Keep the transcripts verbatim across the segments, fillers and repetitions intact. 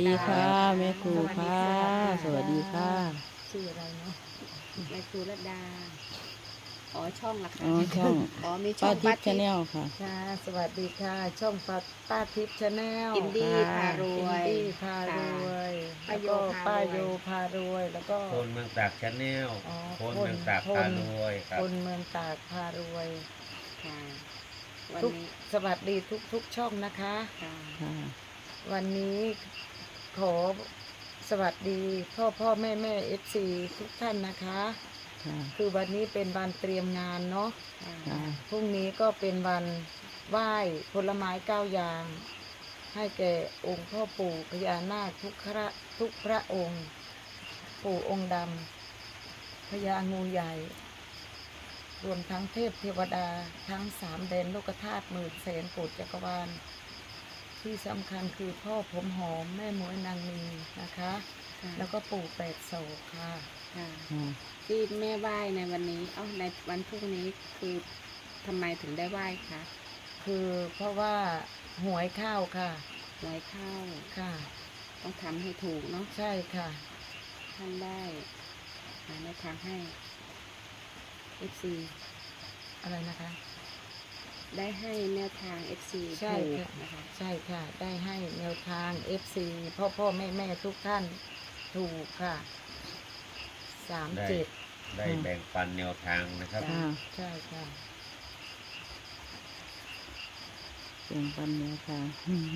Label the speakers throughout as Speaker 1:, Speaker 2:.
Speaker 1: ดีค่ะแม่ครูค่ะสวัสดีค่ะ
Speaker 2: ชื่ออะไรเนาะแม่ครูรัตดาอ๋อช่องละ
Speaker 1: อ๋อ
Speaker 2: ค่ะ
Speaker 1: ช่อง
Speaker 2: อ๋อมีช่
Speaker 1: ป้า
Speaker 2: อง
Speaker 1: ทิ
Speaker 2: ป้า
Speaker 1: พย์ชา
Speaker 2: ทิพย์
Speaker 1: แนลค่ะ
Speaker 2: ค่ะสวัสดีค่ะช่องป้าป้าทิพย์ชาแนล
Speaker 1: อิ
Speaker 2: อิน
Speaker 1: นดี้พารวย
Speaker 2: ดี้พารวยแล้วก็ป้าโยพารวยแล้วก็
Speaker 3: คนเมืองตากชาแนล
Speaker 2: อ๋อ
Speaker 3: คนเมืองตาก
Speaker 2: ค
Speaker 3: พาน รวยครั
Speaker 2: ค
Speaker 3: บ
Speaker 2: นเมืองตากพารวย
Speaker 4: ค่ะวัน
Speaker 2: ทุก
Speaker 4: นี้
Speaker 2: สวัสดีทุกทุกช่องนะคะ
Speaker 4: ค่ะ
Speaker 1: ค่ะ
Speaker 2: วันนี้ขอสวัสดีพ่อพ่อแม่แม่เอฟซีทุกท่านนะคะ
Speaker 1: ค่ะ
Speaker 2: คือวันนี้เป็นวันเตรียมงานเนาะ
Speaker 1: ค่ะ
Speaker 2: พรุ่งนี้ก็เป็นวันไหว้ผลไม้เก้าอย่าง ให้แก่องค์พ่อปู่พญานาคทุกพระทุกพระองค์ ปู่องค์ดำพญางูใหญ่ รวมทั้งเทพเทวดาทั้งสามแดนโลกธาตุหมื่นแสนโกฏจักรวาล ที่สำคัญคือพ่อผมหอมแม่หมวยนางมีนะคะ
Speaker 4: ค่ะ
Speaker 2: แล้วก็ปู่แปดโศกค่ะ
Speaker 4: ค่ะ
Speaker 1: ค่ะ
Speaker 4: ที่แม่ไหว้ในวันนี้เอ้าในวันพรุ่งนี้คือทำไมถึงได้ไหว้คะ
Speaker 2: คือเพราะว่าหวยข้าวค่ะ
Speaker 4: หวยเข้า
Speaker 2: ค่ะ
Speaker 4: ต้องทำให้ถูกเนาะ
Speaker 2: ใช่ค่ะ
Speaker 4: ท่านได้หาแนวทางให้ เอฟ ซี
Speaker 2: อะไรนะคะ
Speaker 4: ได้ให้แนวทาง เอฟ ซี
Speaker 2: ใช่
Speaker 4: ถูก
Speaker 2: ค่ะ
Speaker 4: นะคะ
Speaker 2: ใช่ค่ะ ได้ให้แนวทาง เอฟ ซี พ่อพ่อแม่แม่ทุกท่านถูกค่ะสาม
Speaker 3: ได้
Speaker 2: เจ็ด
Speaker 3: ได้แบ่งปันแนวทางนะครับ
Speaker 1: ค่ะ
Speaker 2: ใช่ค่ะ
Speaker 1: เสียงปันเนื้อค่ะ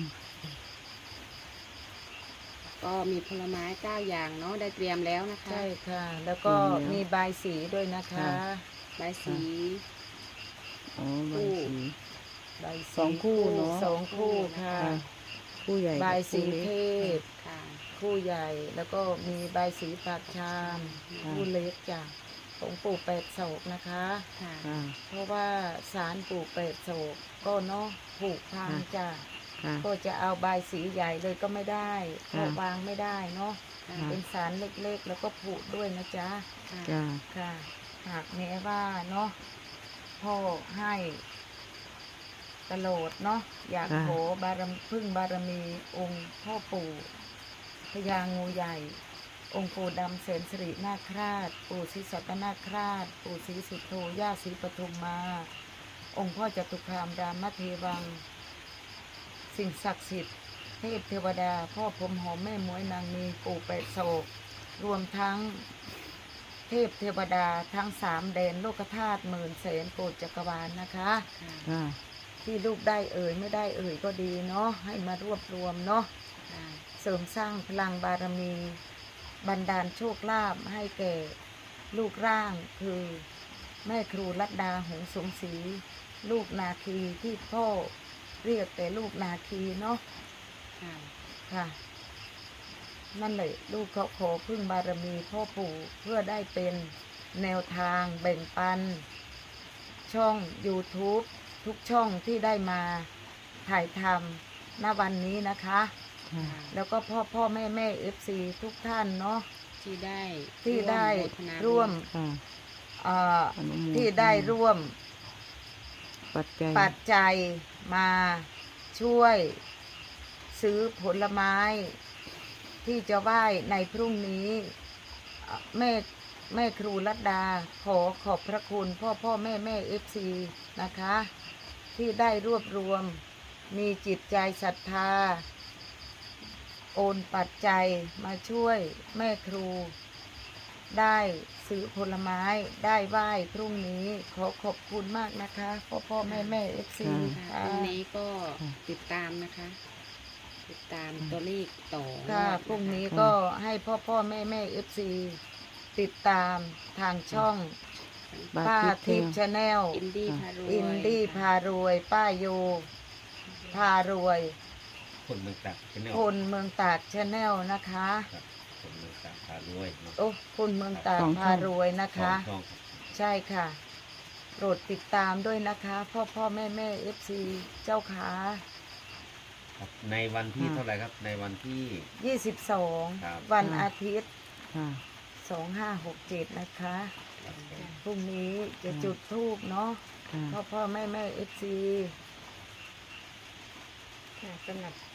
Speaker 4: ก็มีผลไม้เก้าอย่างเนาะได้เตรียมแล้วนะคะ
Speaker 2: ใช่ค่ะ แล้วก็
Speaker 1: ถูกแล้ว
Speaker 2: มีใบายสีด้วยนะคะ
Speaker 1: ค่ะ
Speaker 4: ใบสี
Speaker 1: อ๋อใบสี
Speaker 2: ใบาย
Speaker 1: สองคู่เนอะ
Speaker 2: สองคู่ค่ะ
Speaker 1: ค่ะผู้ใหญ่
Speaker 2: ใบาย
Speaker 1: กับ
Speaker 2: สี
Speaker 1: ผู้
Speaker 2: เท
Speaker 1: เล็ก
Speaker 2: พ
Speaker 4: ค่ะ
Speaker 2: คู่ใหญ่ แล้วก็มีใบายสีปากชาม
Speaker 1: ค่ะ
Speaker 2: คู่เล็กจ้ะของปู่แปดโศกนะคะ
Speaker 4: ค่ะ
Speaker 1: ค่ะ
Speaker 2: เพราะว่าสารปู่แปดโศกก็เนาะผูกพังจ้ะ
Speaker 1: ค่ะ
Speaker 2: ก็จะเอาใบายสีใหญ่เลยก็ไม่ได้เพราะ
Speaker 1: ค่ะ
Speaker 2: วางไม่ได้เนาะ
Speaker 4: ค่ะ
Speaker 2: เป็นสารเล็กๆ แล้วก็ผูกด้วยนะจ๊ะ
Speaker 4: ค่ะ
Speaker 1: จ้า
Speaker 2: ค่ะ หากแม้ว่าเนาะพ่อให้ตลอดเนาะอยาก
Speaker 1: ค่ะ
Speaker 2: ขอบารมีพึ่งบารมีองค์พ่อปู่พญางูใหญ่ องค์ปู่ดำเสนสิรินาคราช ปู่ศรีสัตนาคราช ปู่ศรีสุโธย่าศรีปทุมมา องค์พ่อจตุคามรามเทวัง สิ่งศักดิ์สิทธิ์เทพเทวดา พ่อผมหอมแม่หมวยนางมีปู่แปดโศกรวมทั้งเทพเทวดาทั้งสามแดนโลกธาตุหมื่นแสนโกฏจักรวาลนะคะ
Speaker 4: ค่ะ
Speaker 1: ค่ะ
Speaker 2: ที่ลูกได้เอ่ยไม่ได้เอ่ยก็ดีเนาะให้มารวบรวมเนาะ
Speaker 4: ค่ะ
Speaker 2: เสริมสร้างพลังบารมี บันดาลโชคลาภให้แก่ลูกร่างคือแม่ครูรัตดาหงส์สมศรีลูกนาคีที่พ่อเรียกแต่ลูกนาคีเนาะ
Speaker 4: ค่ะ
Speaker 2: ค่ะ นั่นแหละลูกเขาขอพึ่งบารมีพ่อปู่เพื่อได้เป็นแนวทางแบ่งปัน ช่อง YouTube ทุกช่องที่ได้มาถ่ายทำณวันนี้นะคะ
Speaker 1: ค่ะ
Speaker 2: แล้วก็พ่อพ่อแม่แม่เอฟซีทุกท่านเนาะ
Speaker 4: ที่ได้
Speaker 2: ที่ได้
Speaker 4: โมทนาบุญ
Speaker 2: ร่วม
Speaker 1: ค่ะ
Speaker 2: เอ่อ
Speaker 1: อนุโมทนา
Speaker 2: ที่ได้ร่วม
Speaker 1: ปัจจัย
Speaker 2: ปัจจัยมาช่วยซื้อผลไม้ ที่จะไหว้ในพรุ่งนี้เอ่อแม่แม่ครูรัตดาขอขอบพระคุณพ่อพ่อแม่แม่เอฟซีนะคะ ที่ได้รวบรวมมีจิตใจศรัทธา โอนปัจจัยมาช่วยแม่ครู ได้ซื้อผลไม้ได้ไหว้พรุ่งนี้ขอขอบคุณมากนะคะพ่อพ่อแม่แม่เอฟซี
Speaker 4: ค่ะพรุ่งนี้ก็ติดตามนะคะ ติดตามตัวเลขต่อ
Speaker 2: ค่ะ
Speaker 4: งวด
Speaker 2: พรุ่งนี้
Speaker 4: ะคะ
Speaker 2: ก็ให้พ่อพ่อแม่แม่เอฟซีติดตามทางช่อง
Speaker 1: บา
Speaker 2: ป้า
Speaker 1: ทิพย์
Speaker 2: ทิพย์ชาแนล
Speaker 4: อินดี้พารวย
Speaker 2: อินดี้พารวย ป้าโยพารวย
Speaker 3: คนเมืองตากชาแนล
Speaker 2: คนเมืองตากชาแนลนะคะ
Speaker 3: ครับคนเมืองตากพารวยเนาะ
Speaker 2: โอ้คนเมืองตาก
Speaker 1: สองช่อง
Speaker 2: พารวยนะ
Speaker 3: สอ
Speaker 2: คะ
Speaker 3: งช่อง
Speaker 2: ใช่ค่ะ โปรดติดตามด้วยนะคะ พ่อพ่อแม่แม่เอฟซีเจ้าขา
Speaker 3: ครับในวันที่
Speaker 1: ค่ะ
Speaker 3: เท่าไหร่ครับ ในวันที่
Speaker 2: ยี่สิบสอง
Speaker 3: ครับ
Speaker 2: วัน
Speaker 1: ค่ะ
Speaker 2: อาทิตย์
Speaker 1: ค่ะ
Speaker 2: สองห้าหกเจ็ดนะคะ
Speaker 3: ครับผม
Speaker 2: พรุ่งนี้จะ
Speaker 1: ค่ะ
Speaker 2: จุดธูปเนาะ
Speaker 1: ค่ะ
Speaker 2: พ่อพ่อแม่แม่เอฟซี
Speaker 4: ค่ะสำหรับ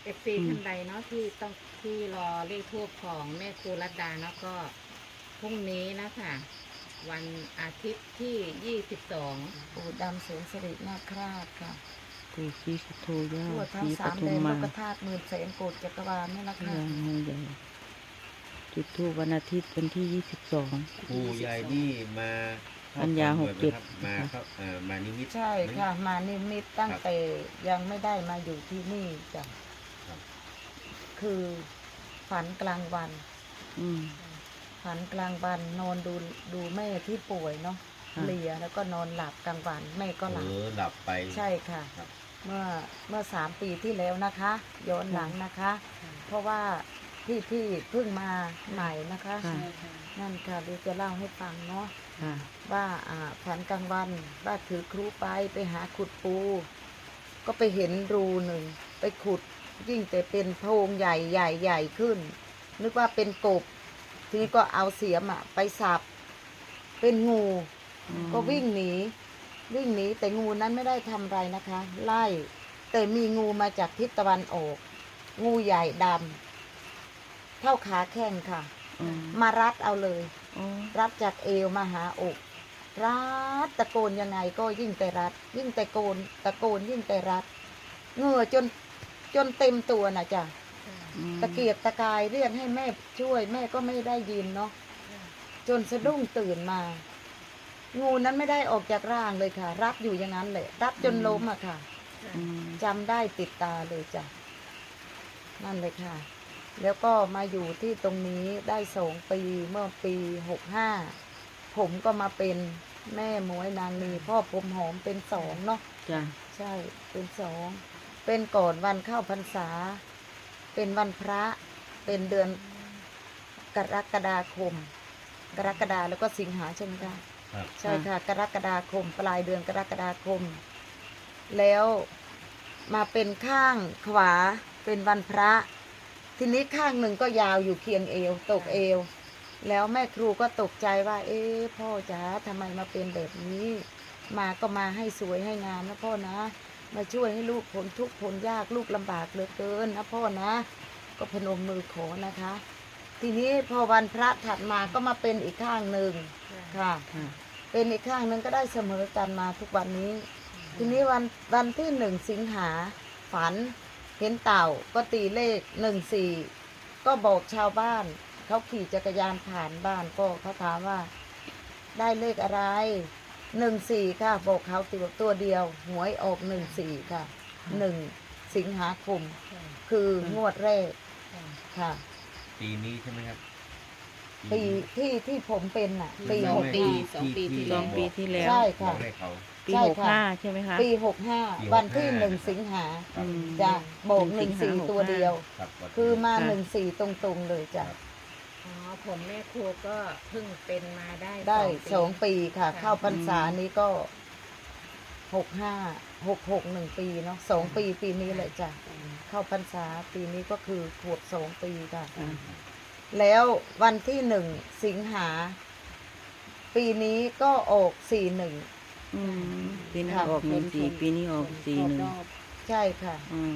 Speaker 5: เอฟซี
Speaker 1: อืม
Speaker 5: ท่านใดเนาะที่ต้องที่รอเลขทูปของแม่ครูรัตดาเนาะก็พรุ่งนี้นะคะวันอาทิตย์ที่ยี่สิบสอง
Speaker 2: ปู่ดำเสนสิรินาคราชค่ะ
Speaker 1: ปู่ศรีสุโธย่า
Speaker 2: ทั่ว
Speaker 1: ศ
Speaker 2: ทั้ง
Speaker 1: รีป
Speaker 2: สาม
Speaker 1: ทุ
Speaker 2: แด
Speaker 1: ม
Speaker 2: นโล
Speaker 1: มาก
Speaker 2: ธาตุหมื่นแสนโกดจักรวาลนี่แหละ
Speaker 1: พ
Speaker 2: ค่ะ
Speaker 1: ญางูใหญ่จุดธูปวันอาทิตย์วันที่ยี่สิบสอง
Speaker 3: ปู่ใหญ่นี่มาเข้
Speaker 1: ปัญญา
Speaker 3: ฝัน
Speaker 1: หกเจ็ด
Speaker 3: บ่อยไหมครับมาเข้าเอ่อมานิมิต
Speaker 2: ใช่
Speaker 3: ไหม
Speaker 2: ค่ะ มานิมิตตั้ง
Speaker 3: ครับ
Speaker 2: แต่ยังไม่ได้มาอยู่ที่นี่จ้ะ
Speaker 3: ครับ
Speaker 2: คือฝันกลางวัน
Speaker 1: อืม
Speaker 2: ฝันกลางวันนอนดูดูแม่ที่ป่วยเนาะ
Speaker 1: ค่ะ
Speaker 2: เลียแล้วก็นอนหลับกลางวันแม่ก็ห
Speaker 3: เอ
Speaker 2: ลับ
Speaker 3: อหลับไป
Speaker 2: ใช่ค่ะ
Speaker 3: ครับ
Speaker 2: เมื่อเมื่อสามปีที่แล้วนะคะ ย้อนหลังนะคะ เพราะว่าพี่พี่เพิ่งมาใหม่นะคะ
Speaker 1: ค่ะ
Speaker 4: ใช่ค่ะ
Speaker 2: นั่นค่ะเดี๋ยวจะเล่าให้ฟังเนาะ
Speaker 1: ค่ะ
Speaker 2: ว่าอ่าฝันกลางวันว่าถือครูไปไปหาขุดปู ก็ไปเห็นรูหนึ่งไปขุดยิ่งแต่เป็นโพรงใหญ่ใหญ่ใหญ่ขึ้น นึกว่าเป็นกบ ทีนี้ก็เอาเสียมอะไปสับเป็นงู
Speaker 1: อืม
Speaker 2: ก็วิ่งหนีวิ่งหนีแต่งูนั้นไม่ได้ทำอะไรนะคะ ไล่แต่มีงูมาจากทิศตะวันออก งูใหญ่ดำเท่าขาแข้งค่ะ
Speaker 1: อืม
Speaker 2: มารัดเอาเลย
Speaker 1: อ๋อ
Speaker 2: รัดจากเอวมาหาอก รัดตะโกนยังไงก็ยิ่งแต่รัด ยิ่งแต่โกนตะโกนยิ่งแต่รัดเหงื่อจนจนเต็มตัวนะจ๊ะ
Speaker 1: อืม
Speaker 2: ตะเกียกตะกายเรียกให้แม่ช่วย แม่ก็ไม่ได้ยินเนาะจนสะดุ้งตื่นมา งูนั้นไม่ได้ออกจากร่างเลยค่ะ รัดอยู่อย่างนั้นเลยรัดจนล้มอะค่ะ
Speaker 1: อืม
Speaker 2: จำได้ติดตาเลยจ้ะนั่นเลยค่ะ แล้วก็มาอยู่ที่ตรงนี้ได้สองปีเมื่อปีหกห้าผมก็มาเป็นแม่หมวยนางนีพ่อผมหอมเป็นสองเนาะ
Speaker 1: จ้ะ
Speaker 2: ใช่เป็นสองเป็นก่อนวันเข้าพรรษา เป็นวันพระเป็นเดือนกรกฎาคม กรกฎาแล้วก็สิงหาใช่ไหมคะ
Speaker 3: ครับ
Speaker 2: ใช่ค่ะ กรกฎาคม ปลายเดือนกรกฎาคม แล้วมาเป็นข้างขวาเป็นวันพระ ทีนี้ข้างหนึ่งก็ยาวอยู่เคียงเอวตกเอว แล้วแม่ครูก็ตกใจว่า เอ๊ะพ่อจ๋าทำไมมาเป็นแบบนี้ มาก็มาให้สวยให้งามนะพ่อนะ มาช่วยให้ลูกพ้นทุกข์พ้นยากลูกลำบากเหลือเกินนะพ่อนะ ก็พนมมือขอนะคะ ทีนี้พอวันพระถัดมาก็มาเป็นอีกข้างหนึ่งค่ะ
Speaker 1: ค่ะ
Speaker 2: เป็นอีกข้างหนึ่งก็ได้เสมอกันมาทุกวันนี้ ทีนี้วันวันที่หนึ่งสิงหาฝันเห็นเต่าก็ตีเลขหนึ่งสี่ก็บอกชาวบ้านเขาขี่จักรยานผ่านบ้านก็เขาถามว่า ได้เลขอะไรหนึ่งสี่ค่ะบอกเขาตัวตัวเดียวหวยออกหนึ่งสี่ค่ะหนึ่งสิงหาคมคืองวดแรกค่ะ
Speaker 3: ปีนี้ใช่ไหมครับ
Speaker 2: ปีที่ที่ผมเป็นน่ะ ปี
Speaker 3: ที่
Speaker 2: หก
Speaker 3: แม่
Speaker 2: ห้า
Speaker 4: สองปีที่
Speaker 1: สองปีที่แล้ว
Speaker 2: ใช่ค่ะ
Speaker 3: บอกให้เขา
Speaker 1: ปี
Speaker 2: ใช่
Speaker 1: หก
Speaker 2: ค่ะ
Speaker 1: ห้าใช่ไหมคะ
Speaker 2: ปีหกห้า
Speaker 3: ปี
Speaker 2: วันที่
Speaker 3: หกห้า
Speaker 2: หนึ่งสิงหา
Speaker 3: ครับ
Speaker 1: อืม
Speaker 2: จ้ะโบก
Speaker 1: ห
Speaker 2: ห
Speaker 1: นึ่
Speaker 2: นึ่
Speaker 1: ง
Speaker 2: ง
Speaker 1: สิง
Speaker 2: สี่
Speaker 1: หา
Speaker 2: ตัวเดียว
Speaker 3: ครับวันที่
Speaker 2: คือมา
Speaker 1: ค่ะ
Speaker 2: หนึ่งสี่ตรงๆเลยจ้ะ
Speaker 3: ครับ
Speaker 5: อ๋อผมแม่ครูก็เพิ่งเป็นมาได้
Speaker 2: ได้สอง
Speaker 5: ปี
Speaker 2: ปีค่ะ
Speaker 5: ค่ะ
Speaker 2: เข้าพรรษานี้ก็หกห้าหกหกหนึ่งปีเนาะสองปีปีนี้เลยจ้ะเข้าพรรษาปีนี้ก็คือขวบสองปีค่ะ
Speaker 1: อ่า
Speaker 2: แล้ววันที่หนึ่งสิงหา ปีนี้ก็ออกสี่หนึ่ง
Speaker 1: อืมปีหน้า
Speaker 2: ค่ะ
Speaker 1: ออกหนึ่งสี่ปีนี้ออกสี่หนึ่ง
Speaker 4: รอบ
Speaker 2: ใช่ค่ะ
Speaker 1: อืม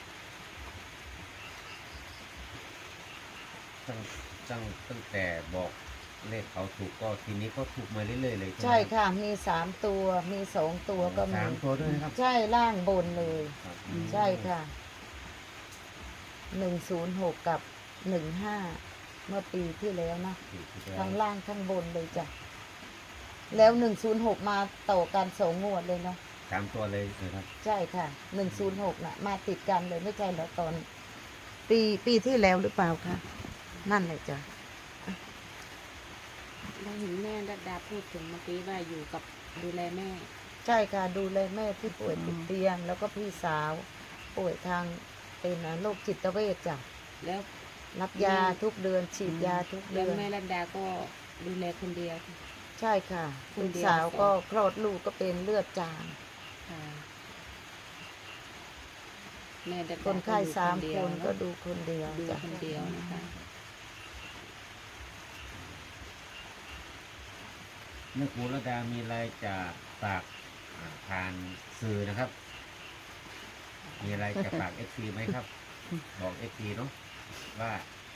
Speaker 3: ตั้งตั้งตั้งแต่บอกเลขเขาถูกก็ทีนี้ก็ถูกมาเรื่อยๆเลย
Speaker 2: ใช่
Speaker 3: ไหมรับ
Speaker 2: ค่ะ มีสามตัวมีสองตัวก็มี
Speaker 3: สามตัวด้วยนะครับ
Speaker 2: ใช่ล่างบนเลย
Speaker 3: ครับ
Speaker 2: ใช่ค่ะหนึ่งศูนย์หกกับหนึ่งห้าเมื่อปีที่แล้วนะ
Speaker 3: ถูกที่แล้ว
Speaker 2: ทั้งล่างทั้งบนเลยจ้ะ แล้วหนึ่งศูนย์หกมาต่อกันสองงวดเลยเนาะ
Speaker 3: สามตัวเลยนะครับ
Speaker 2: ใช่ค่ะหนึ่งศูนย์หกน่ะ มาติดกันเลยไม่ใช่เหรอตอน ปีปีที่แล้วหรือเปล่าคะนั่นเลยจ้ะ
Speaker 4: ได้เห็นแม่ดัดดาพูดถึงเมื่อกี้ว่าอยู่กับดูแลแม่
Speaker 2: ใช่ค่ะ ดูแลแม่ที่ป่วยติดเตียง แล้วก็พี่สาว ป่วยทางเป็นโรคจิตเวชจ้ะ
Speaker 4: แล้ว
Speaker 2: รับยาทุกเดือนฉีดยาทุก
Speaker 4: แล้
Speaker 2: เดื
Speaker 4: ว
Speaker 2: อน
Speaker 4: แม่ดัดดาก็ดูแลคนเดียว
Speaker 2: ใช่ค่ะ
Speaker 4: ค
Speaker 2: ลู
Speaker 4: น
Speaker 2: ก
Speaker 4: เดียว
Speaker 2: สาวก็คลอดลูกก็เป็นเลือดจาง
Speaker 4: ค่ะแม่ดัดดา
Speaker 2: คนไข้
Speaker 4: อยู่
Speaker 2: สาม
Speaker 4: เดี
Speaker 2: ค
Speaker 4: ยวน
Speaker 2: ก็ดูคนเดียว
Speaker 4: ดู
Speaker 2: จ้ะ
Speaker 4: คนเดียวนะคะ
Speaker 3: แม่ครูระดามีอะไรจะฝากอ่าผ่านสื่อนะครับ มีอะไรจะฝากเอฟซีไหมครับบอกเอฟซีเนาะว่า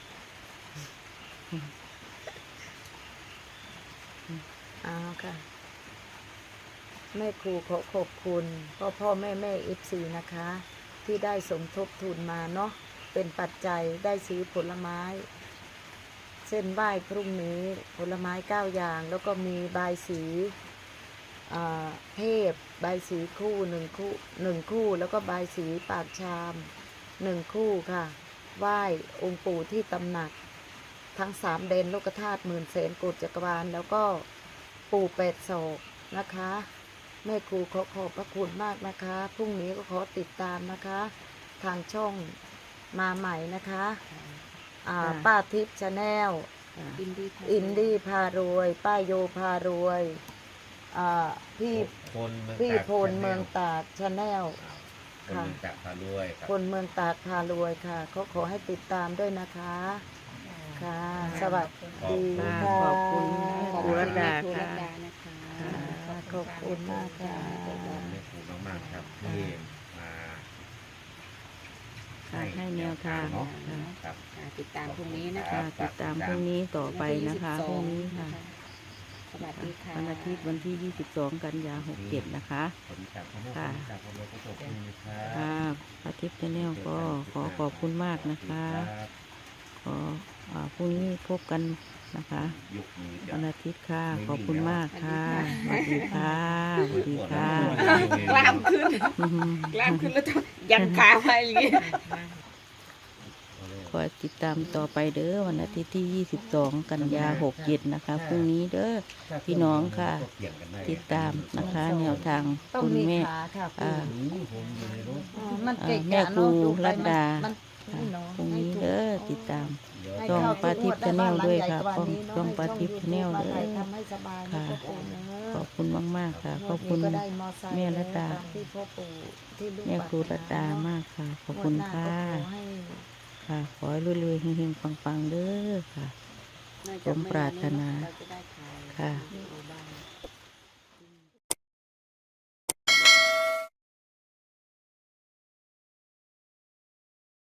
Speaker 2: เอาค่ะแม่ครูขอขอบคุณพ่อพ่อแม่แม่เอฟซีนะคะ ที่ได้สมทบทุนมาเนาะเป็นปัจจัยได้ซื้อผลไม้ เส้นไหว้พรุ่งนี้ผลไม้เก้าอย่าง แล้วก็มีบายสีอ่าเทพบายสีคู่หนึ่งคู่หนึ่งคู่ แล้วก็บายสีปากชามหนึ่งคู่ค่ะ ไหว้องค์ปู่ที่ตำหนักทั้งสามเดนโลกธาตุหมื่นแสนโกฏจักรวาลแล้วก็ปู่แปดศอกนะคะ แม่ครูขอขอบพระคุณมากนะคะพรุ่งนี้ก็ขอติดตามนะคะ ทางช่องมาใหม่นะคะอ่า
Speaker 1: ค่ะ
Speaker 2: ป้าทิพย์ชาแนล
Speaker 1: ค่ะ
Speaker 4: อินดี้ค่ะ
Speaker 2: อินดี้พารวยป้าโยพารวยอ่าพี่
Speaker 3: คนเมือง
Speaker 2: พี่
Speaker 3: ตาก
Speaker 2: พลเมืองตากชาแนล
Speaker 3: คนเมืองตากพาด้วยครับ
Speaker 2: คนเมืองตากพารวยค่ะเขาขอให้ติดตามด้วยนะคะค่ะ สวัสดีค่ะ
Speaker 1: ขอบคุณแม่ครูรัตดา
Speaker 4: ครูรั
Speaker 1: ค่ะ
Speaker 4: ตดานะคะ
Speaker 2: ค่ะขอบคุณมากค่ะ
Speaker 3: ขอบคุณแม่ครูมากๆครับที่มา
Speaker 1: ค่ะให้แนวทาง
Speaker 3: เนาะ
Speaker 1: ค่ะ
Speaker 3: ครับ
Speaker 4: ค่ะติดตามพรุ่งนี้นะ
Speaker 1: ค่ะ
Speaker 4: คะ
Speaker 1: ติดตามพรุ่งนี้ต่อไปนะคะพรุ่งนี้ค่ะ
Speaker 4: สวัสดีค่ะ
Speaker 1: วันอาทิตย์วันที่ยี่สิบสองกันยาหกเจ็ดนะคะ
Speaker 3: ผมจากพ่อแม่
Speaker 1: ค่ะ
Speaker 3: ผมจากพ่อแม่ก็ขอบคุณนะครับ
Speaker 1: ค่ะอาทิตย์ชาแนลก็ขอขอบคุณมากนะคะ
Speaker 3: รับ
Speaker 1: ขออ่าพรุ่งนี้พบกันนะคะ
Speaker 3: ยกมือจั
Speaker 1: วั
Speaker 3: บ
Speaker 1: นอาทิตย์ค่ะ ขอบคุณมากค่ะสวัสดีค่ะสวัสดีค่ะ
Speaker 4: กล้ามขึ้น
Speaker 1: อืม
Speaker 4: กล้ามขึ้นแล้วต้องยันขาไปอย่างงี้
Speaker 1: ขอติดตามต่อไปเด้อวันอาทิตย์ที่ยี่สิบสองกันยาหกเจ็ดนะคะพรุ่งนี้เด้อ พี่น้องค่ะ ติดตามนะคะแนวทาง
Speaker 2: ต้อง
Speaker 1: คุณ
Speaker 2: มี
Speaker 1: แม่
Speaker 2: ขาค่ะ
Speaker 1: อ่า
Speaker 2: คุณ
Speaker 3: นี่ผมอยู่ในรถ
Speaker 2: อ๋อมันเกะ
Speaker 1: แม่
Speaker 2: กะ
Speaker 1: ครู
Speaker 2: เนาะดูไป
Speaker 1: รัตดา
Speaker 2: มัน
Speaker 1: ค่ะ
Speaker 2: นี่เนาะ
Speaker 1: พรุ่ง
Speaker 2: ให้
Speaker 1: นี้
Speaker 2: ถูก
Speaker 1: เด้อติดตาม
Speaker 3: เดี๋ยว
Speaker 2: ให้
Speaker 1: ช่อง
Speaker 2: เข้
Speaker 1: ปาทิพย์ Channel ด้วยค่ะ
Speaker 2: ได้บ้านหลังใหญ่กว่านี้เนะ
Speaker 1: ช่องปาทิพย์ Channel
Speaker 2: ให้
Speaker 1: เด้อ
Speaker 2: ช่อง YouTube มาถ่ายทำให้สบายนะ
Speaker 1: ค่ะ
Speaker 2: พ่อปู่เน
Speaker 1: ข
Speaker 2: อะ
Speaker 1: อบคุณมากๆค่ะ ขอบ
Speaker 2: ง
Speaker 1: คุ
Speaker 2: ว
Speaker 1: ณ
Speaker 2: ดนี้ก็ได้มอไซค์
Speaker 1: แม่รัตดา
Speaker 2: ตามที่พ่อปู่ที่ลูก
Speaker 1: แม่ครูรัตดามากค่ะ ขอบคุณค่ะ ค่ะ ขอให้รวยๆเฮงๆปังๆเด้อค่ะ
Speaker 4: น่า
Speaker 1: ส
Speaker 4: จะ
Speaker 1: มปรารถนา
Speaker 4: เรจะได้ถ่าย
Speaker 1: ค่ะ
Speaker 4: ที่หมู่บ้าน